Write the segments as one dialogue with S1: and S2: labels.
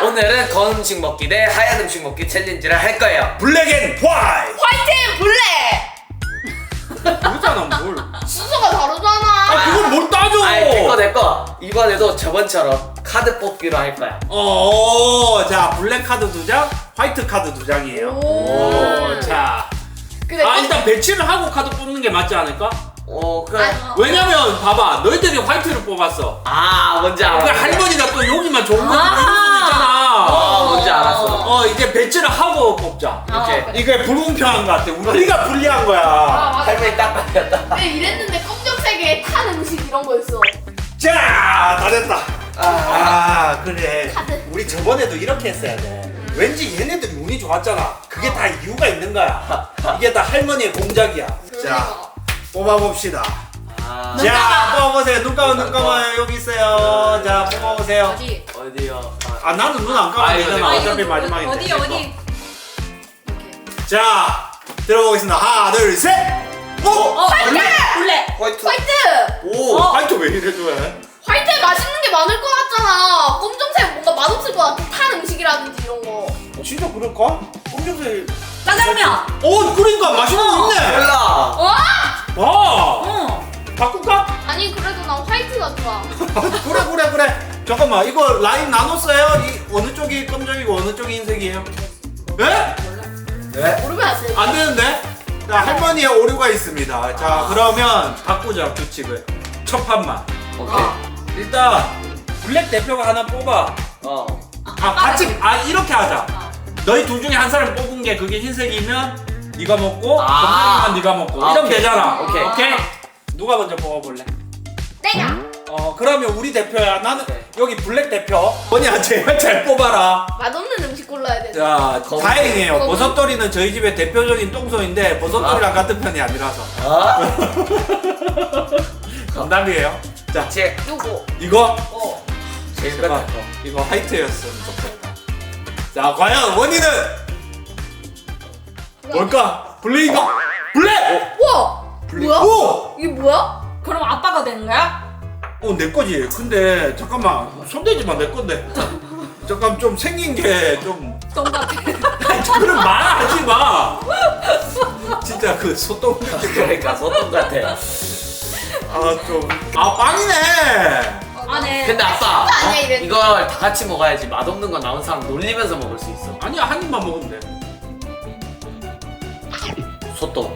S1: 오늘은 검은 음식 먹기 대 하얀 음식 먹기 챌린지를 할 거예요.
S2: 블랙 앤 화이트.
S3: 화이트 블랙.
S2: 그거잖아 뭘.
S3: 순서가 다르잖아.
S2: 아 그걸 뭘 따져.
S1: 아이 됐거. 이번에도 저번처럼 카드 뽑기로 할 거야.
S2: 자 블랙 카드 2장, 화이트 카드 2장이에요.
S3: 오.
S2: 자.
S3: 그래.
S2: 일단 배치를 하고 카드 뽑는 게 맞지 않을까?
S1: 그래.
S2: 왜냐면 봐봐 너희들이 화이트를 뽑았어.
S1: 뭔지 알아.
S2: 그러니까 할머니가 또 여기만 좋은 거 뽑을 수도 있잖아.
S1: 뭔지 알았어.
S2: 이제 배치를 하고 뽑자.
S1: 오케이.
S3: 그래.
S2: 이게 불공평한 것 같아. 우리가 불리한 거야.
S3: 맞아.
S1: 할머니 딱 걸렸다.
S3: 근데 이랬는데 검정색에 탄 음식 이런 거 있어.
S2: 자, 다 됐다. 그래.
S3: 카드.
S2: 우리 저번에도 이렇게 했어야 돼. 왠지 얘네들이 운이 좋았잖아. 그게 다 이유가 있는 거야. 이게 다 할머니의 공작이야. 자, 뽑아봅시다. 자, 뽑아보세요. 눈 감아 여기 있어요. 자, 뽑아보세요.
S4: 어디?
S1: 어디요?
S2: 나는 눈 안 감아도
S1: 이거
S2: 되잖아.
S1: 내가
S2: 어차피 마지막인데.
S4: 어디? 이렇게.
S2: 자, 들어보겠습니다. 하나, 둘, 셋.
S3: 화이트.
S4: 블랙.
S1: 화이트.
S3: 화이트.
S1: 오.
S2: 화이트 왜 이래 좋아해?
S3: 화이트에 맛있는 게 많을 것 같잖아. 검정색 뭔가 맛없을 것 같아. 탄 음식이라든지 이런 거.
S2: 진짜 그럴까? 검정색.
S4: 짜장면.
S2: 그러니까 맛있는 거 있네.
S1: 몰라.
S2: 바꿀까?
S3: 아니 그래도 난 화이트가 좋아.
S2: 그래. 잠깐만, 이거 라인 나눴어요? 어느 쪽이 검정이고 어느 쪽이 흰색이에요? 네?
S1: 네.
S3: 모르면 안 돼.
S2: 안 되는데? 자, 할머니의 오류가 있습니다. 자, 그러면 바꾸자, 규칙을. 첫 판만.
S1: 오케이.
S2: 일단, 블랙 대표가 하나 뽑아. 같이, 이렇게 하자. 너희 둘 중에 한 사람 뽑은 게 그게 흰색이면 네가 먹고, 검정이면 네가 먹고. 이러면
S1: 오케이.
S2: 되잖아.
S1: 오케이.
S2: 누가 먼저 뽑아볼래?
S3: 내가.
S2: 그러면 우리 대표야. 나는
S1: 오케이.
S2: 여기 블랙 대표. 언니야, 제발 잘 뽑아라.
S3: 맛없는 음식 골라야 돼.
S2: 자,
S1: 검은-
S2: 다행이에요.
S3: 검은-
S2: 버섯돌이는 저희 집의 대표적인 똥손인데 버섯돌이랑 같은 편이 아니라서. 정답이에요. 자,
S1: 제
S3: 요거.
S2: 이거
S1: 제일 끝에
S2: 제발
S1: 거.
S2: 이거 화이트였으면 좋겠다. 자, 과연 원인은 뭘까? 블랙인가? 블랙!
S3: 우와. 뭐야?
S2: 오!
S3: 이게 뭐야?
S4: 그럼 아빠가 되는 거야?
S2: 내 거지. 근데 잠깐만, 손대지 마, 내 건데. 잠깐 좀 생긴 게 좀.
S4: 똑같아.
S2: 그런 말 하지 마. 진짜 그 소똥 느낌.
S1: 그러니까 소똥 같아.
S2: 빵이네.
S4: 안에.
S1: 근데 아빠
S3: 아니야, 이랬는데.
S1: 이걸 다 같이 먹어야지. 맛없는 거 나온 사람 놀리면서 먹을 수 있어.
S2: 아니야, 한 입만 먹으면 돼.
S1: 소똥.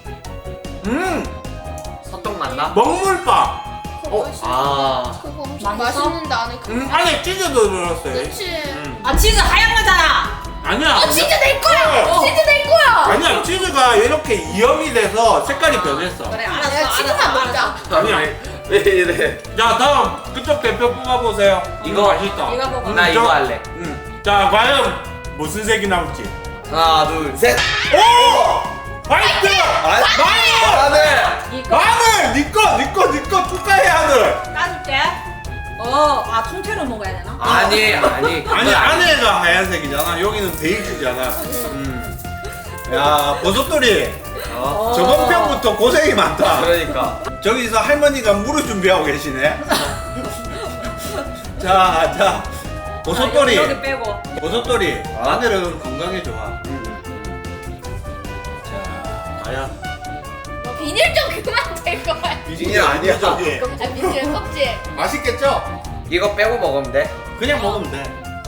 S1: 소똥 맞나?
S2: 먹물빵.
S3: 그거 음식
S4: 맛있어?
S3: 맛있는데 안에 그.
S2: 안에 치즈도 들었어요.
S3: 그렇지.
S4: 치즈 하얀 거잖아.
S2: 아니야.
S3: 치즈 내 거야. 치즈 내 거야.
S2: 아니야, 치즈가 이렇게 이염이 돼서 색깔이 변했어.
S4: 그래
S3: 내가
S4: 알았어.
S3: 치즈만 먹자.
S2: 아니야.
S1: 왜 이래?
S2: 자, 다음 그쪽 대표 뽑아보세요.
S1: 이거
S2: 맛있다.
S4: 이거 먹어.
S1: 나 이거 할래.
S2: 자, 과연 무슨 색이 나올지.
S1: 하나, 둘, 셋.
S2: 오! 화이트! 마늘!
S4: 이거
S2: 마늘! 니꺼 축하해, 하늘!
S4: 까줄게. 통째로 먹어야 되나?
S1: 아니.
S2: 아니, 안에가 하얀색이잖아. 여기는 베이지잖아. 야, 버섯돌이. 저번 편부터 고생이 많다.
S1: 그러니까.
S2: 저기서 할머니가 물을 준비하고 계시네. 자, 버섯돌이.
S4: 여기 빼고.
S2: 버섯돌이. 마늘은 건강에 좋아. 자, 과연.
S3: 비닐 좀 그만 될 거야.
S1: 비닐 아니야.
S2: 저기.
S3: 비닐 껍질.
S2: 맛있겠죠?
S1: 이거 빼고 먹으면 돼.
S2: 그냥 먹으면 돼.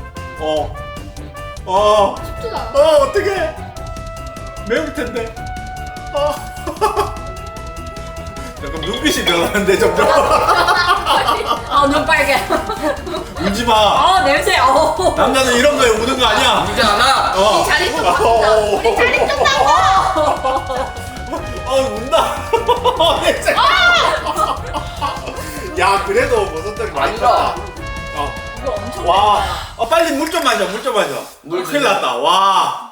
S3: 쉽지도 않아.
S2: 어떡해. 매울 텐데. 잠깐 눈빛이 변하는데 점점.
S4: 눈 빨개.
S2: 울지 마.
S4: 냄새.
S2: 남자는 이런 거에 우는 거 아니야.
S1: 울지 않아.
S3: 우리 자리 좀 바꾸자. 우리 자리 좀 바꿔.
S2: 운다. 냄새. 야, 그래도 버섯들이 많이
S1: 아니다.
S2: 어.
S4: 이거 엄청
S2: 와.
S4: 맵다.
S2: 빨리 물 좀 마셔.
S1: 물
S2: 큰일 났다. 와.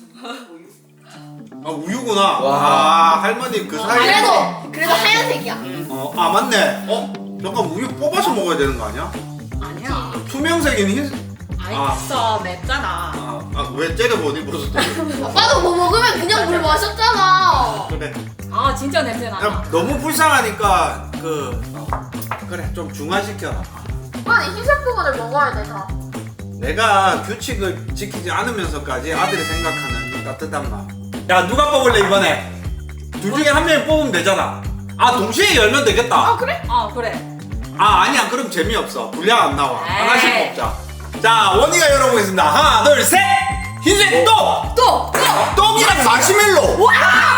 S2: 우유구나. 와, 할머니 그 사이에.
S3: 그래도 하얀색이야.
S2: 맞네. 잠깐 우유 뽑아서 먹어야 되는 거 아니야?
S4: 아니야.
S2: 투명색인 흰색.
S4: 있어 맵잖아.
S2: 왜 째려보니 버섯들이.
S3: 아빠도 뭐 먹으면 그냥 물 마셨잖아.
S2: 그래.
S4: 진짜 냄새 나.
S2: 그냥 너무 불쌍하니까 그래 좀 중화시켜라.
S3: 아니 흰색 부분을 먹어야 돼 다.
S2: 내가 규칙을 지키지 않으면서까지 아들이 생각하는 따뜻한 마음. 야 누가 뽑을래 이번에? 둘 중에 한 명이 뽑으면 되잖아. 아 동시에 열면 되겠다.
S3: 아 그래?
S4: 그래.
S2: 아 아니야 그럼 재미없어. 분량 안 나와.
S4: 에이.
S2: 하나씩 뽑자. 자 원희가 열어보겠습니다. 하나 둘 셋. 흰색 똥!
S4: 또!
S2: 똥이랑 마시멜로! 우와!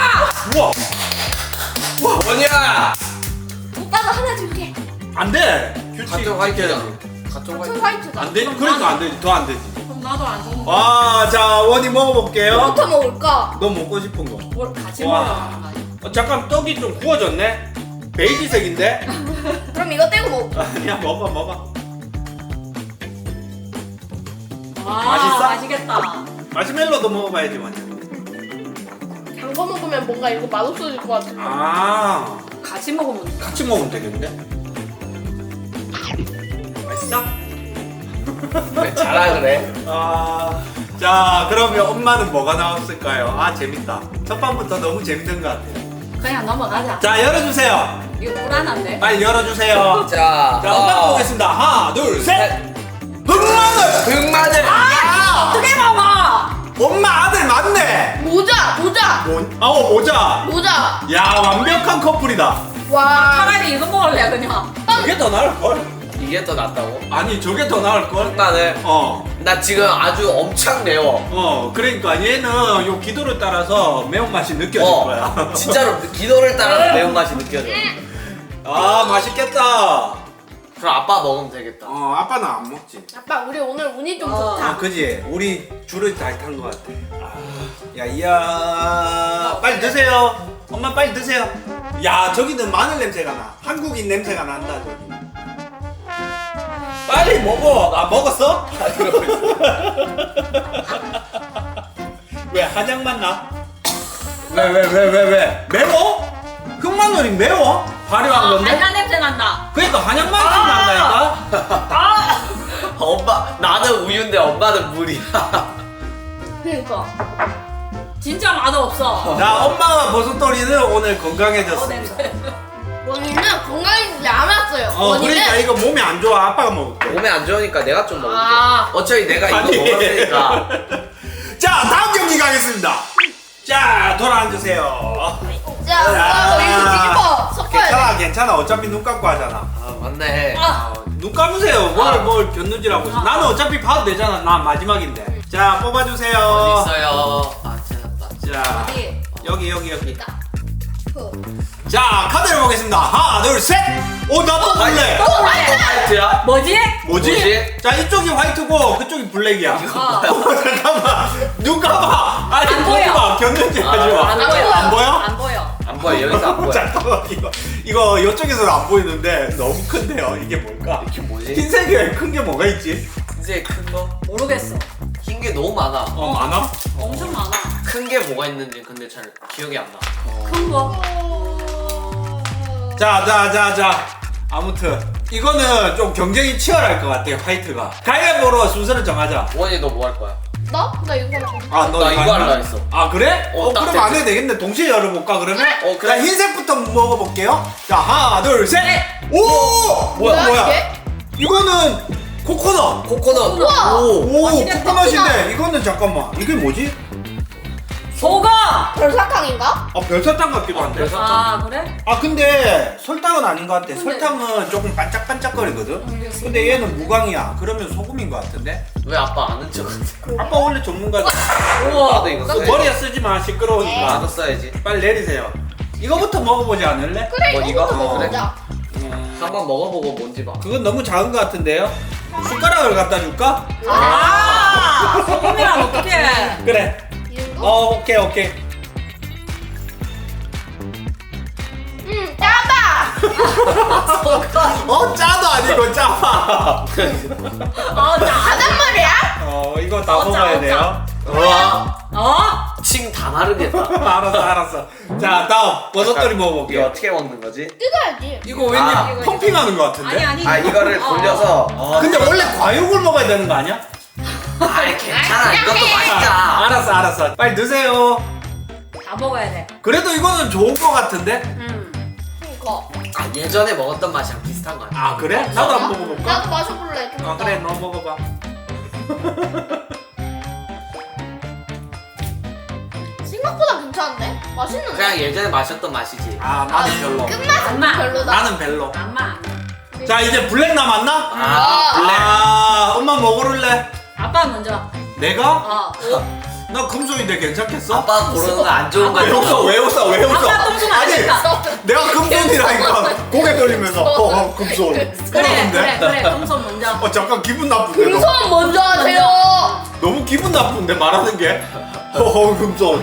S1: 원이야.
S3: 오빠가 하나 줄게.
S2: 안 돼! 규칙
S1: 같은 화이트야.
S2: 지켜야지.
S1: 같은
S3: 전
S1: 화이트.
S3: 화이트다.
S2: 안 돼? 그러니까 안 되지. 더 안 되지.
S4: 그럼 나도 안 좋은 거.
S2: 와, 자, 원희 먹어볼게요.
S3: 뭐부터 먹을까?
S2: 너 먹고 싶은 거.
S4: 뭘 같이
S2: 와.
S4: 먹으라는 거 아니야?
S2: 잠깐, 떡이 좀 구워졌네? 베이지색인데?
S3: 그럼 이거 떼고 먹을까?
S2: 아니야, 먹어.
S4: 와,
S2: 맛있어?
S4: 맛있겠다.
S2: 마시멜로도 먹어봐야지, 원희.
S3: 단 거 먹으면 뭔가 이거 맛없어질 것 같은데.
S2: 아,
S4: 같이 먹으면 돼.
S2: 같이 먹으면 되겠는데? 맛있어?
S1: 왜 자라 그래?
S2: 아, 자, 그러면 엄마는 뭐가 나왔을까요? 아, 재밌다. 첫 판부터 너무 재밌는 것 같아요.
S4: 그냥 넘어가자.
S2: 자, 열어주세요.
S4: 이거 불안한데?
S2: 빨리 열어주세요.
S1: 자,
S2: 자, 엄마 보겠습니다. 하나, 둘, 셋. 흑마늘!
S1: 흑마늘.
S4: 어떻게 먹어?
S2: 엄마 아들 맞네.
S3: 모자.
S2: 모자. 야, 완벽한 커플이다.
S3: 와.
S4: 차라리 이거 먹을래 그냥.
S2: 이게 더 나을 걸?
S1: 이게 더 낫다고?
S2: 아니, 저게 더 나을 걸?
S1: 흑마늘. 나 지금 아주 엄청 매워.
S2: 그러니까 얘는 요 기도를 따라서 매운맛이 느껴질 거야.
S1: 진짜로 기도를 따라서 매운맛이 느껴져.
S2: 아, 맛있겠다.
S1: 그럼 아빠 먹으면 되겠다.
S2: 아빠는 안 먹지.
S3: 아빠 우리 오늘 운이 좀
S4: 어.
S3: 좋다.
S2: 아, 그지? 우리 줄을 잘 탄 것 같아. 야, 이야. 빨리 드세요. 엄마 빨리 드세요. 야, 저기는 마늘 냄새가 나. 한국인 냄새가 난다, 저기. 빨리 먹어. 아, 먹었어? 왜, 한약맛 나? 왜? 매워? 흑마늘이 매워? 발효한 건데?
S4: 한약 냄새 난다.
S2: 그러니까 한약맛이 난다니까?
S1: 엄마, 나는 우유인데 엄마는 물이야.
S3: 그러니까.
S4: 진짜 맛없어.
S2: 자, 엄마와 버섯돌이는 오늘 건강해졌습니다.
S4: 냄새.
S3: 원이는 건강해지지 않았어요.
S2: 그러니까 이거 몸에 안 좋아. 아빠가 먹을게.
S1: 몸에 안 좋으니까 내가 좀 먹을게.
S3: 아.
S1: 어차피 내가 이거
S2: 아니.
S1: 먹었으니까.
S2: 자, 다음 경기 가겠습니다. 자, 돌아앉으세요.
S3: 자, 오빠 이거 뒤집어 섞어야 돼.
S2: 괜찮아. 어차피 눈 감고 하잖아.
S1: 아, 맞네.
S2: 눈 감으세요. 뭘 견눈질하고 있어. 나는 어차피 봐도 되잖아. 난 마지막인데. 자, 뽑아주세요.
S1: 어디 있어요? 아, 찾았다.
S2: 자,
S3: 어디?
S2: 여기.
S3: 그.
S2: 자, 카드를 보겠습니다. 하나, 둘, 셋. 오, 나도 볼래.
S1: 화이트야?
S4: 뭐지?
S2: 뭐지? 자, 이쪽이 화이트고 그쪽이 블랙이야.
S4: 어.
S2: 잠깐만. 눈 감아. 아니,
S4: 안 보여.
S2: 보지 마. 견눈질 하지 마.
S4: 안
S3: 안
S4: 보여.
S3: 보여.
S2: 안 보여?
S4: 안 보여.
S1: 안 보여, 여기서 안 보여.
S2: 잠깐만, 이거 이쪽에서는 안 보이는데 너무 큰데요. 이게 뭘까?
S1: 이게 뭐지?
S2: 흰색에 큰 게 뭐가 있지?
S1: 흰색 큰 거?
S4: 모르겠어.
S1: 흰 게 너무 많아.
S2: 많아?
S4: 엄청 많아.
S1: 큰 게 뭐가 있는지 근데 잘 기억이 안 나.
S4: 큰 거.
S2: 자. 아무튼 이거는 좀 경쟁이 치열할 것 같아요. 화이트가. 가위바위보로 순서를 정하자.
S1: 원이 너 뭐 할 거야?
S3: 나? 나 이거 할 거야.
S2: 아,
S1: 나 이거
S2: 할래?
S1: 할라 했어.
S2: 아, 그래?
S1: 딱
S2: 그럼
S1: 됐지.
S2: 안 해도 되겠네. 동시에 열어볼까 그러면?
S1: 그래.
S2: 자, 흰색부터 먹어볼게요. 자, 하나, 둘, 셋. 오!
S3: 뭐야, 이게?
S2: 이거는 코코넛.
S1: 코코넛.
S3: 우와.
S2: 오,
S4: 맛있겠다.
S2: 코코넛인데 이거는 잠깐만. 이게 뭐지?
S4: 소금.
S3: 별사탕인가?
S2: 별사탕 같기도 한데.
S4: 아 그래?
S2: 근데 설탕은 아닌 것 같아.
S4: 근데-
S2: 설탕은 조금 반짝반짝거리거든. 근데 얘는 무광이야. 그러면 소금인 것 같은데?
S1: 왜 아빠 아는 척?
S2: 아빠 원래 전문가다.
S4: 우와.
S1: 나도 이거 써야지.
S2: 머리에 쓰지 마. 시끄러우니까.
S1: 나도 써야지.
S2: 빨리 내리세요. 이거부터 먹어보지 않을래?
S3: 그래
S1: 뭐,
S3: 이거부터
S1: 이거?
S3: 먹자.
S1: 한번 먹어보고 뭔지 봐.
S2: 그건 너무 작은 것 같은데요? 숟가락을 갖다 줄까?
S4: 아 소금이랑 어떡해?
S2: 그래.
S3: 이거?
S2: 오케이.
S3: 짜봐.
S2: 짜도 아니고 짜파.
S3: 짜단 말이야?
S2: 이거 다
S4: 어짜,
S2: 먹어야
S4: 어짜.
S2: 돼요.
S1: 와, 칭 다 마르겠다.
S2: 알았어. 자, 다음 버섯돌이
S1: 이거
S2: 먹어볼게요.
S1: 어떻게 먹는 거지?
S3: 뜯어야지.
S2: 이거 왠지
S1: 아.
S2: 펌핑하는 것 같은데?
S4: 아니.
S1: 아, 이거를 돌려서.
S2: 근데 원래 과육을 먹어야 되는 거 아니야?
S1: 아이, 괜찮아. 이것도 맛있다.
S2: 알았어. 빨리 드세요.
S4: 다 먹어야 돼.
S2: 그래도 이거는 좋은 거 같은데?
S3: 이거.
S1: 아, 예전에 먹었던 맛이랑 비슷한 거 같아.
S2: 아, 그래? 나도 한번 먹어볼까?
S3: 나도 마셔볼래. 좀
S2: 아,
S3: 이따.
S2: 그래, 너 먹어봐.
S3: 생각보다 괜찮은데? 맛있는데?
S1: 그냥 예전에 마셨던 맛이지.
S2: 아 나는 별로.
S3: 끝맛은
S4: 엄마.
S3: 별로다.
S2: 나는 별로.
S4: 엄마.
S2: 자 이제 블랙 남았나?
S1: 아, 블랙.
S2: 아 엄마 뭐 고를래?
S4: 아빠 먼저.
S2: 내가?
S4: 어.
S2: 나 금손인데 괜찮겠어?
S1: 아빠 고르는 거 안 좋은 거
S2: 왜 웃어 왜 웃어 왜 웃어?
S4: 아빠 똥손 안
S2: 아니
S4: 된다.
S2: 내가 금손이라니까 고개 돌리면서 금손.
S4: 그래
S2: 그러는데?
S4: 그래 똥손 먼저.
S2: 잠깐 기분 나쁜데 너.
S3: 금손 먼저 하세요.
S2: 너무 기분 나쁜데 말하는 게. 금손.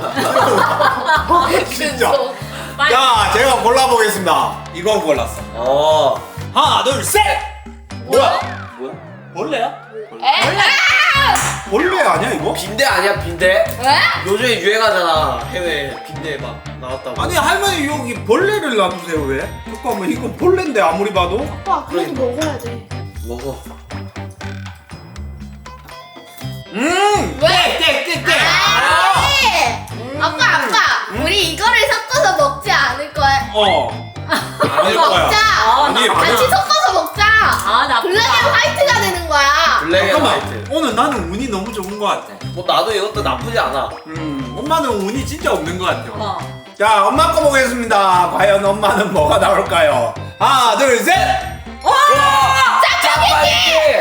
S2: 진짜.
S3: 금손.
S4: 빨리.
S2: 자 제가 골라보겠습니다. 이거 골랐어. 하나 둘 셋. 뭐야?
S1: 뭐야?
S2: 벌레야?
S3: 에?
S2: 벌레 아니야 이거?
S1: 빈대 아니야 빈대?
S3: 에?
S1: 요즘에 유행하잖아. 해외 빈대 막 나왔다고.
S2: 아니 할머니 여기 벌레를 놔두세요 왜? 잠깐만 이거 벌레인데 아무리 봐도.
S3: 아빠 그래도 먹어야 돼.
S1: 먹어.
S3: 왜?
S2: 깨.
S3: 아빠 우리 이거를 섞어서 먹지 않을 거야.
S2: 아닐 거야.
S3: 먹자.
S2: 아니
S3: 같이 섞어서 먹자.
S4: 아 나쁘다.
S3: 블랙 앤 화이트가 되는 거야.
S1: 블랙 앤
S2: 잠깐만
S1: 화이트.
S2: 오늘 나는 운이 너무 좋은 것 같아.
S1: 뭐 나도 이것도 나쁘지 않아.
S2: 엄마는 운이 진짜 없는 것 같아요.
S4: 어.
S2: 자 엄마 거 보겠습니다. 과연 엄마는 뭐가 나올까요? 하나 둘 셋.
S1: 짜파게티!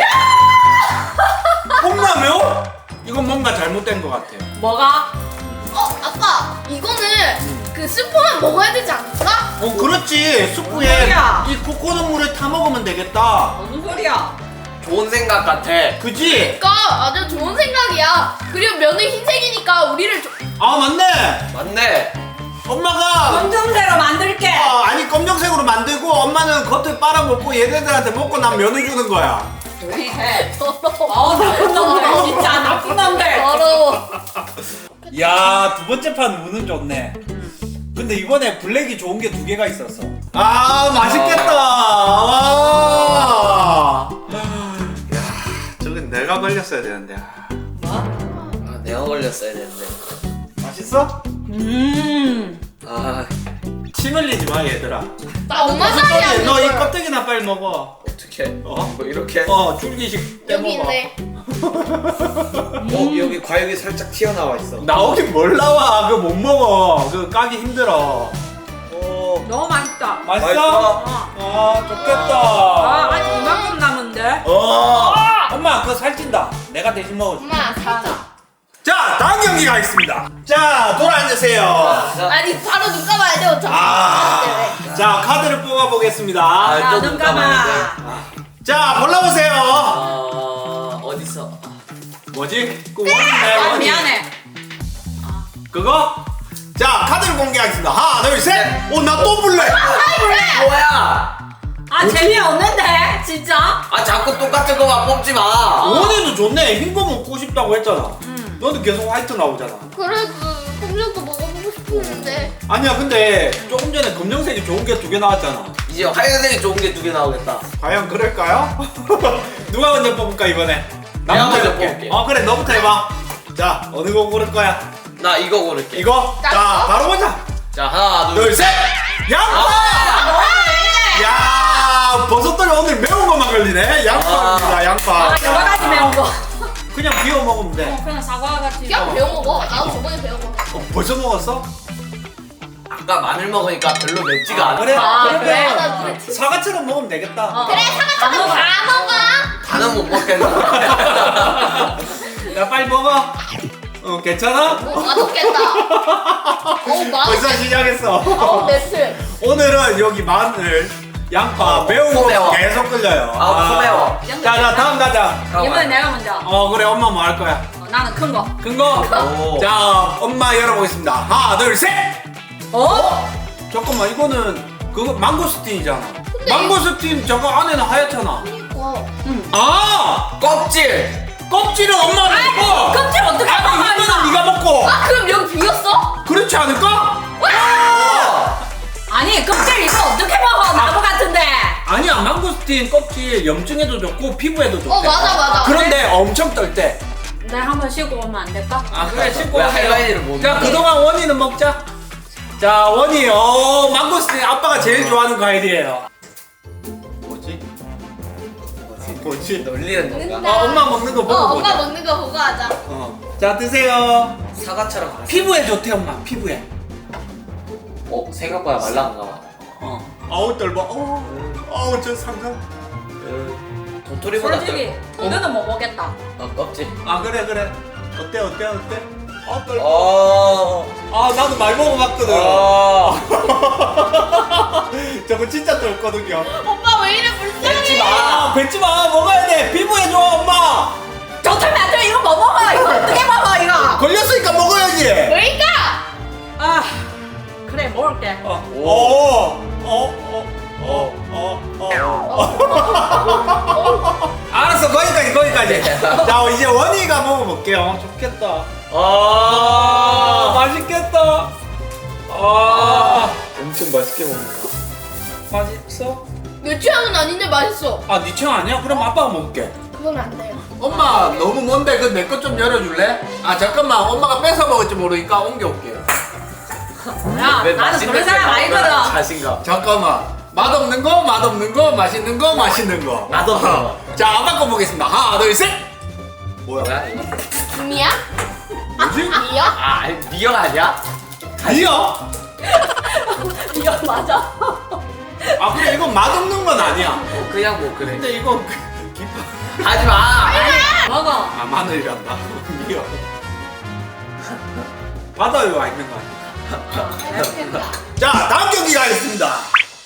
S2: 콩라면? 이건 뭔가 잘못된 것 같아요.
S4: 뭐가?
S3: 아빠 이거는 그 스프만 먹어야 되지 않을까?
S2: 그렇지. 수프에
S4: 소리야?
S2: 이 코코넛 물에 타 먹으면 되겠다.
S4: 무슨 소리야?
S1: 좋은 생각 같아.
S2: 그지?
S3: 그러니까 아주 좋은 생각이야. 그리고 면은 흰색이니까 우리를
S2: 아 맞네.
S1: 맞네.
S2: 엄마가
S4: 검정새로 만들게.
S2: 아니 검정색으로 만들고 엄마는 겉을 빨아먹고 얘네들한테 먹고 난 면을 주는 거야.
S4: 조용히 해.
S3: 더러워.
S4: 나쁜 놈들 진짜 나쁜 놈들.
S3: 더러워.
S2: 야, 두 번째 판 운은 좋네. 근데 이번에 블랙이 좋은 게 두 개가 있었어. 아, 맛있겠다. 와. 야, 저건 내가 걸렸어야 되는데.
S4: 뭐?
S1: 아, 내가 걸렸어야 되는데.
S2: 맛있어?
S1: 아,
S2: 침 흘리지 마, 얘들아.
S3: 나 엄마 살이 안
S2: 너 이
S3: 걸.
S2: 껍데기나 빨리 먹어.
S1: 어떻게?
S2: 어?
S1: 뭐 이렇게?
S2: 줄기식
S3: 여기
S2: 떼먹어.
S3: 있네.
S1: 여기 과육이 살짝 튀어나와 있어.
S2: 나오긴 뭘 나와. 그거 못 먹어. 그거 까기 힘들어.
S4: 너무 맛있다.
S2: 맛있어?
S1: 맛있어?
S2: 아, 좋겠다.
S4: 아직 이만큼 남은데.
S2: 엄마, 그거 살찐다. 내가 대신 먹어줄게.
S3: 엄마 살짝.
S2: 자, 다음 경기 가겠습니다. 자, 돌아 앉으세요.
S3: 아니 바로 눈 감아야 돼 어차피.
S2: 자, 카드를 뽑아보겠습니다.
S4: 자,
S1: 또
S4: 눈
S1: 눈
S4: 감아.
S1: 감아야
S2: 자, 골라보세요.
S1: 어디서?
S2: 뭐지? 그 원인데,
S4: 아
S2: 원인.
S4: 미안해.
S2: 그거? 자, 카드를 공개하겠습니다. 하나, 둘, 셋. 나 또 볼래.
S1: 뭐야?
S4: 아 재미없는데 진짜.
S1: 아, 자꾸 똑같은 거만 뽑지 마.
S2: 원인도 좋네. 흰 거 먹고 싶다고 했잖아. 너는 계속 화이트 나오잖아.
S3: 그래도 검정도 먹어보고 싶었는데.
S2: 아니야, 근데 조금 전에 검정색이 좋은 게 두 개 나왔잖아.
S1: 이제 하얀색이 좋은 게 두 개 나오겠다.
S2: 과연 그럴까요? 누가 먼저 뽑을까 이번에?
S1: 내가
S2: 나부터
S1: 먼저
S2: 해볼게.
S1: 뽑을게.
S2: 그래, 너부터 해봐. 자, 어느 거 고를 거야?
S1: 나 이거 고를게.
S2: 이거?
S3: 나
S2: 자,
S3: 이거?
S2: 바로 보자.
S1: 자, 하나,
S2: 둘,
S1: 둘,
S2: 셋. 양파! 야, 버섯돌이 오늘 매운 거만 걸리네. 양파입니다, 양파.
S4: 아 여러 가지 매운 거.
S2: 그냥 비워 먹으면 돼.
S4: 그냥 사과 같이.
S3: 그냥 배워 먹어. 나도 저번에 배워 먹어.
S2: 벌써 먹었어?
S1: 아까 마늘 먹으니까 별로 맵지가 않아.
S2: 그래?
S4: 아,
S2: 그러면
S3: 그래? 나 그래.
S2: 사과처럼 먹으면 되겠다.
S3: 그래 사과처럼 다 먹어.
S1: 다는 못 먹겠는데.
S2: 야, 빨리 먹어. 괜찮아?
S3: 맛없겠다.
S2: 벌써 시작했어.
S3: 매트.
S2: 오늘은 여기 마늘, 양파, 매운 거
S1: 매워.
S2: 계속 끌려요.
S1: 아, 매워.
S2: 자, 다음 가자.
S4: 이번엔 내가 먼저.
S2: 그래, 엄마 뭐 할 거야?
S4: 나는 큰 거.
S2: 큰 거?
S1: 오.
S2: 자, 엄마 열어보겠습니다. 하나, 둘, 셋!
S4: 어?
S2: 잠깐만, 이거는 그거 망고스틴이잖아. 망고스틴 저거 안에는 하얗잖아. 아!
S1: 껍질.
S2: 껍질은 엄마가 먹고!
S4: 껍질 어떻게 먹어?
S2: 이거는 네가 먹고!
S3: 아 그럼 여기 비었어?
S2: 그렇지 않을까?
S4: 아니 껍질 이거 어떻게 먹어? 나무 같은데.
S2: 아니야, 망고스틴 껍질 염증에도 좋고 피부에도 좋대.
S3: 맞아.
S2: 그런데 엄청 떨 때.
S4: 내가 한번 쉬고 오면 안 될까?
S2: 아, 그래, 씻고
S1: 왜
S2: 오세요.
S1: 할머니를 못
S2: 자,
S1: 먹어?
S2: 그동안 원이는 먹자. 자, 원이, 망고스틴 아빠가 제일 좋아하는 과일이에요. 뭐지? 뭐지?
S1: 놀리는 건가?
S2: 아, 엄마 먹는 거 보고
S3: 엄마
S2: 보자.
S3: 먹는 거 보고 하자.
S2: 자, 드세요.
S1: 사과처럼 맛있-
S2: 피부에 좋대, 엄마. 피부에.
S1: 생각보다 말랑한가 봐.
S2: 아우, 떨봐. 어우, 저 상상.
S1: 도토리보다
S4: 솔직히 이거는 못 먹겠다.
S1: 껍질.
S2: 아, 그래. 어때? 아, 떨봐.
S1: 어.
S2: 나도 많이 먹어봤거든.
S1: 어.
S2: 저거 진짜 떨거든요.
S3: 오빠 왜 이래 불쌍해?
S1: 뱉지 마.
S2: 뱉지 마. 먹어야 돼. 피부에 좋아, 엄마.
S4: 좋다면 안 돼. 이거 못 먹어. 이거 어떻게 먹어 이거?
S2: 걸렸으니까 먹어야지.
S3: 그러니까.
S4: 아 그래 먹을게.
S2: 알았어, 거기까지. 자, 이제 원희가 먹어볼게요. 좋겠다. 맛있겠다.
S1: 엄청 맛있게 먹는다.
S2: 맛있어?
S3: 내 취향은 아닌데 맛있어.
S2: 네 취향 아니야? 그럼 아빠가 먹을게.
S3: 그건 안 돼요.
S5: 엄마 너무 먼데 그 내 것 좀 열어줄래? 아 잠깐만 엄마가 뺏어 먹을지 모르니까 옮겨올게.
S4: 야 나는 그런 사람 아니거든.
S1: 자신감.
S5: 잠깐만 맛없는 거 맛없는 거 맛있는 거 맛있는 거.
S1: 맛없는 거.
S5: 자 아빠 거 보겠습니다. 하나 둘 셋.
S1: 뭐야 이거?
S3: 김이야?
S2: 뭐지?
S3: 미역?
S1: 미역 아니야?
S2: 미역?
S4: 이거 맞아.
S2: 그래, 이건 맛없는 건 아니야.
S1: 그냥 뭐 그래.
S2: 근데 이거 기파.
S1: 하지 마.
S4: 먹어.
S2: 마늘이란다. 미역. 바다에 와 있는 거 아니야?
S3: 맛있겠다.
S2: 자, 다음 경기 가겠습니다.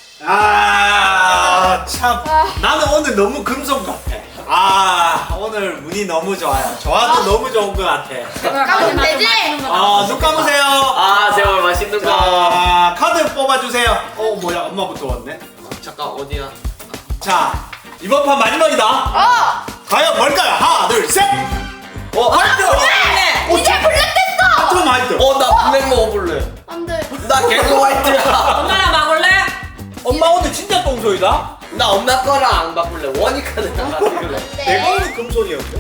S2: 참. 나는 오늘 너무 금속 같아. 오늘 운이 너무 좋아요. 저한테 너무 좋은 것 같아.
S3: 까면 되지?
S2: 눈 감으세요.
S1: 제발 맛있는 거.
S2: 자, 카드 뽑아주세요. 뭐야, 엄마부터 왔네.
S1: 잠깐 어디야?
S2: 자, 이번 판 마지막이다. 과연 뭘까요? 하나, 둘, 셋.
S1: 화이트.
S3: 이제 블랙됐어.
S2: 좀 화이트.
S1: 나 블랙 먹어볼래.
S3: 안 돼.
S1: 나 계속 화이트야.
S4: 엄마랑 먹을래?
S2: 엄마 오늘 진짜 똥소이다.
S1: 나 엄마 거랑 안 바꿀래. 원이카드랑 바꿀래.
S2: 내가 오늘 금손이었어.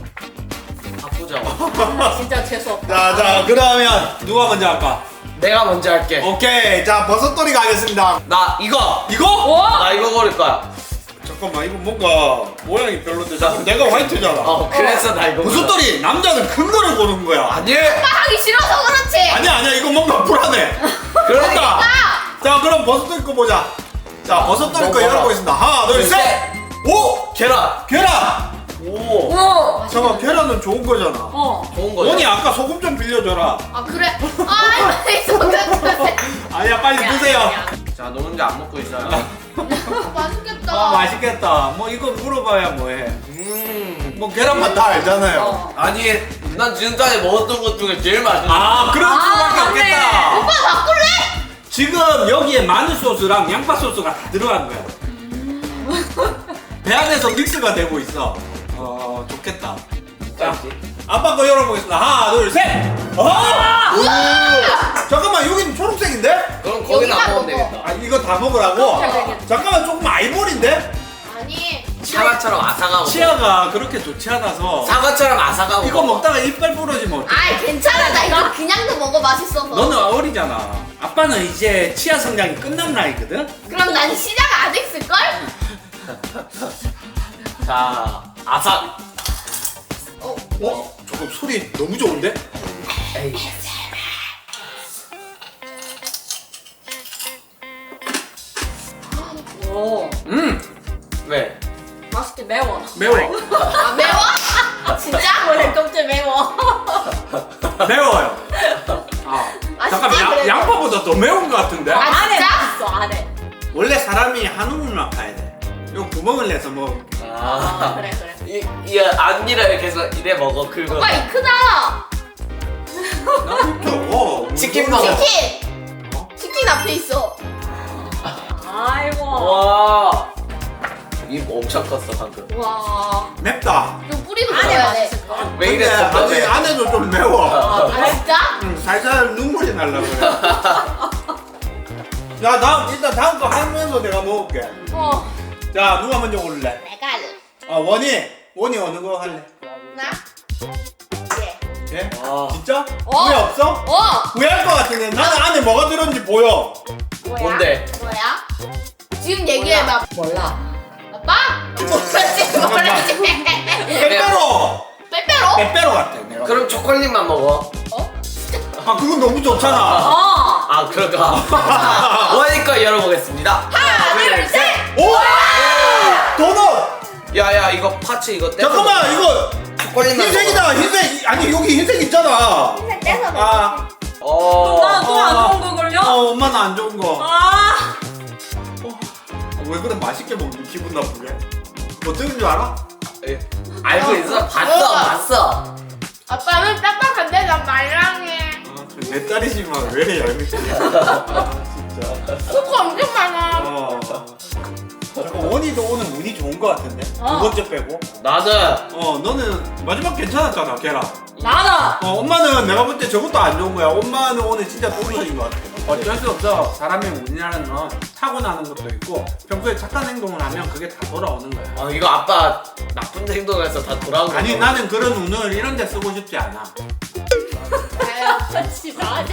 S1: 바꾸자.
S4: 진짜 재수 없다.
S2: 자, 그러면 누가 먼저 할까?
S1: 내가 먼저 할게.
S2: 오케이. 자, 버섯돌이 가겠습니다.
S1: 나 이거.
S2: 이거?
S1: 나 이거 고를 거야.
S2: 잠깐만, 이거 뭔가 모양이 별론데. 자, 내가 화이트잖아.
S1: 그래서 나 이거.
S2: 버섯돌이 남자는 큰 거를 고르는 거야.
S1: 아니.
S3: 하기 싫어서 그렇지.
S2: 아니야, 이거 뭔가 불안해.
S1: 그러니까.
S2: 자, 그럼 버섯돌이 거 보자. 자, 버섯돌이 거
S1: 먹어라.
S2: 열어보겠습니다. 하나, 둘, 셋. 오!
S1: 계란.
S2: 계란!
S1: 오.
S2: 잠깐, 계란은 좋은 거잖아.
S1: 좋은 거야.
S2: 원이 아까 소금 좀 빌려줘라.
S3: 그래. 맛있어.
S2: 아니야, 빨리 드세요.
S1: 자, 너 혼자 안 먹고 있어요.
S3: 맛있겠다.
S2: 맛있겠다. 뭐 이거 물어봐야 뭐해. 뭐 계란 맛 다 알잖아요.
S1: 아니, 난 지금까지 먹었던 것 중에 제일 맛있는.
S2: 그런 수밖에
S4: 맞네.
S2: 없겠다.
S3: 오빠 바꿀래?
S2: 지금 여기에 마늘 소스랑 양파 소스가 다 들어간 거야. 배 안에서 믹스가 되고 있어. 좋겠다. 자, 아빠 거 열어보겠습니다. 하나, 둘, 셋. 잠깐만, 여기는 초록색인데?
S1: 그럼 거기는 안
S3: 여기만
S1: 먹으면
S3: 먹어.
S1: 되겠다.
S2: 이거 다 먹으라고?
S4: 되겠다.
S2: 잠깐만, 조금 아이보리인데?
S3: 아니.
S1: 사과처럼 아삭하고.
S2: 치아가 그렇게 좋지 않아서
S1: 사과처럼 아삭하고.
S2: 이거 먹다가 이빨 부러지면 어떡해?
S3: 괜찮아. 나 이거 그냥도 먹어 맛있어서.
S2: 너는 어리잖아. 아빠는 이제 치아 성장이 끝난 나이거든?
S3: 그럼 난 시작 안 했을걸?
S1: 자, 아삭.
S2: 잠깐 소리 너무 좋은데?
S1: 에이.
S4: 오
S1: 왜?
S4: 맛있게 매워.
S2: 매워.
S3: 매워? 진짜?
S4: 원래 껍질 매워.
S2: 매워요. 잠깐
S3: 그래도.
S2: 양파보다 더 매운 것 같은데?
S4: 안에
S3: 진짜?
S4: 맛있어 안에.
S2: 원래 사람이 한 우물만 파야 돼. 요 구멍을 내서 뭐
S4: 그래.
S1: 이 앞니를 계속 이래 먹어, 긁어.
S3: 오빠 이 크다.
S1: 치킨 먹어.
S3: 치킨 앞에 있어.
S4: 아이고.
S1: 와. 입 엄청 컸어, 방금.
S3: 와.
S2: 맵다.
S3: 좀 뿌리도
S4: 안에
S3: 먹어야 돼.
S4: 맛있을 거.
S1: 왜
S2: 근데
S1: 이랬어?
S2: 안에도 좀 매워.
S3: 아, 진짜?
S2: 살살 눈물이 날라 그래. 자, 다음 거 하면서 내가 먹을게. 자, 누가 먼저 고를래?
S3: 내가 할래.
S2: 원이 어느 거 할래?
S3: 나? 예.
S2: 예?
S1: 와.
S2: 진짜? 후회 없어? 후회할 것 같은데 나는 안에 뭐가 들었는지 보여.
S3: 뭐야?
S1: 뭔데?
S3: 뭐야? 지금 얘기해봐.
S4: 몰라.
S3: 아빠? 모르지.
S2: 빼빼로.
S3: 빼빼로?
S2: 빼빼로 같아 내가.
S1: 그럼 초콜릿만 먹어.
S2: 아 그건 너무 좋잖아.
S4: 어.
S1: 아 그럴까? 원이거 열어보겠습니다.
S3: 하나, 둘, 셋.
S2: 오! 도넛.
S1: 야야 이거 파츠 이거 떼.
S2: 잠깐만 이거
S1: 초콜릿만
S2: 흰색이다. 흰색 아니 여기 흰색 있잖아.
S3: 흰색 떼서 먹어.
S2: 아.
S4: 나또안 좋은 거 걸려?
S2: 엄마는 안 좋은 거.
S4: 아.
S2: 왜 그래 맛있게 먹니 기분 나쁘게? 어떻게 줄 알아?
S1: 예. 알고 있어? 봤어
S3: 먹어봐.
S1: 봤어.
S3: 아빠는 딱딱한데 난 말랑해.
S2: 내 딸이지만 왜 이래 얄밉지? 아 진짜.
S3: 코코 엄청 많아.
S2: 잠깐 원이도 오늘 운이 좋은 거 같은데?
S4: 어.
S2: 두 번째 빼고.
S1: 나는
S2: 너는 마지막 괜찮았잖아 계란.
S4: 나는.
S2: 엄마는 내가 볼 때 저것도 안 좋은 거야. 엄마는 오늘 진짜 똥손인 거 같아. 어쩔 수 없어. 사람의 운이라는 건 타고나는 것도 있고 평소에 착한 행동을 하면 그게 다 돌아오는 거야.
S1: 이거 아빠 나쁜 행동해서 다 돌아온 거.
S2: 아니 나는 그런 운을 이런 데 쓰고 싶지 않아.
S4: 같이 나지.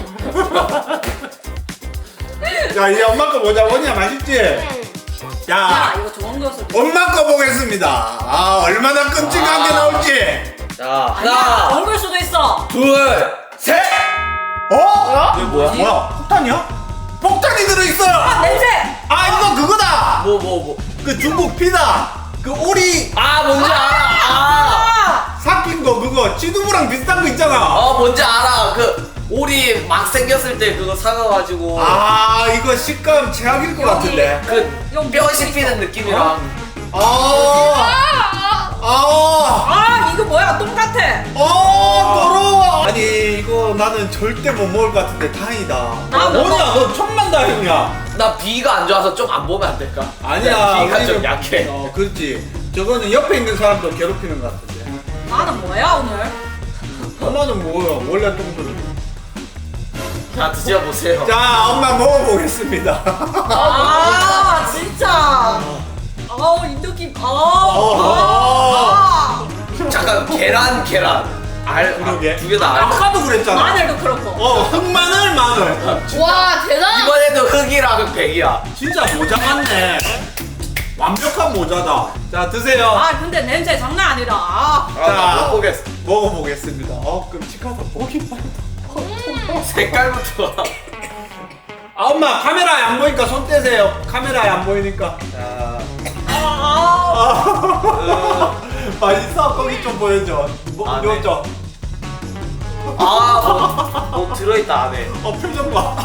S2: 자 이제 엄마 거 보자. 원이야 맛있지?
S4: 야
S2: 야
S4: 이거 좋은 거였어.
S2: 엄마 거 보겠습니다. 아 얼마나 끔찍한 게 나올지.
S1: 자
S4: 아니야.
S1: 하나
S4: 좋은 걸 수도 있어.
S1: 둘 셋.
S2: 이게
S1: 뭐야?
S2: 뭐야? 폭탄이야? 폭탄이 들어있어요.
S4: 냄새.
S2: 아 이거 그거다.
S1: 뭐.
S2: 그 중국 피다. 그 오리
S1: 아 뭔지 알아.
S2: 삭힌 거 그거 찌두부랑 비슷한 거 있잖아.
S1: 뭔지 알아. 그 오리 막 생겼을 때 그거 사가가지고
S2: 아 이거 식감 최악일 것 같은데.
S1: 그 뼈 씹히는 느낌이랑.
S2: 아.
S4: 아 이거 뭐야? 똥 같아.
S2: 더러워. 아니 이거 나는 절대 못 먹을 것 같은데 다행이다.
S4: 나 못
S2: 뭐냐 너 천만다행이야.
S1: 나 비가 안 좋아서 좀 안 보면 안 될까?
S2: 아니야.
S1: 비가 좀
S2: 우리는-
S1: 약해.
S2: 그렇지. 저거는 옆에 있는 사람도 괴롭히는 것 같은데.
S4: 나는 뭐야 오늘?
S2: 엄마는 뭐야? 원래 똥들.
S1: 자 드셔보세요.
S2: 자 엄마 먹어보겠습니다.
S4: 아 진짜. 아우 이 느낌.
S1: 잠깐 계란
S2: 그러게.
S1: 두 개 다 알.
S2: 아까도 그랬잖아.
S4: 마늘도 그렇고.
S2: 흑마늘 마늘.
S3: 와 대단.
S1: 이번에도 흑이랑 백이야.
S2: 진짜 모자 같네. 완벽한 모자다. 자 드세요.
S4: 아 근데 냄새 장난 아니다. 아.
S1: 나 먹어보겠어.
S2: 먹어보겠습니다. 끔찍하다. 보기 봐.
S1: 색깔부터.
S2: 엄마 카메라에 안 보니까 손 떼세요. 카메라에 안 보이니까. 자. 맛있어. 거기 좀 보여줘.
S1: 아, 네.
S2: 보여줘.
S1: 뭐 들어있다 안에.
S2: 표정 봐.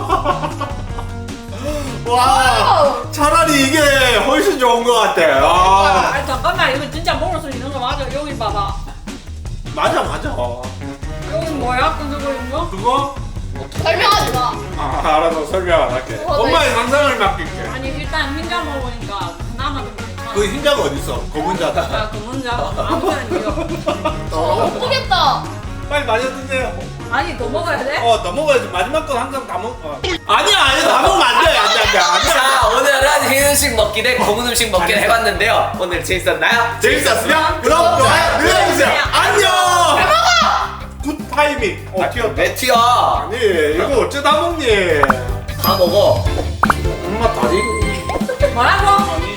S2: 와. 차라리 이게 훨씬 좋은 것 같아.
S4: 아 잠깐만 이거 진짜 먹을 수 있는 거 맞아? 여기 봐봐.
S2: 맞아.
S4: 여기 뭐야? 이거?
S2: 그거?
S3: 설명하지 마.
S2: 알아서 설명 안 할게. 엄마의 상상을 맡길게.
S4: 아니 일단 흰자 먹으니까 그나마 좀 괜찮아.
S2: 그 흰자가 어딨어? 검은 자다.
S4: 야, 그 문자 아무거나 이거.
S3: 예쁘겠다.
S2: 빨리 마셔 드세요.
S4: 아니 더 먹어야 돼?
S2: 더 먹어야지. 마지막 건 항상 다 먹. 아니야, 다 먹으면 안 돼. 안 돼.
S1: 자 오늘은 흰 음식 먹기 대 검은 음식 먹기를 해봤는데요. 오늘 재밌었나요?
S2: 재밌었으면 구독, 좋아요 눌러주세요. 안녕. 굿 타이밍. 튀었다.
S1: 왜 튀어?
S2: 아니 이거 어쩌다 먹니?
S1: 다 먹어.
S2: 엄마 다리.
S4: 뭐라고?
S2: 아니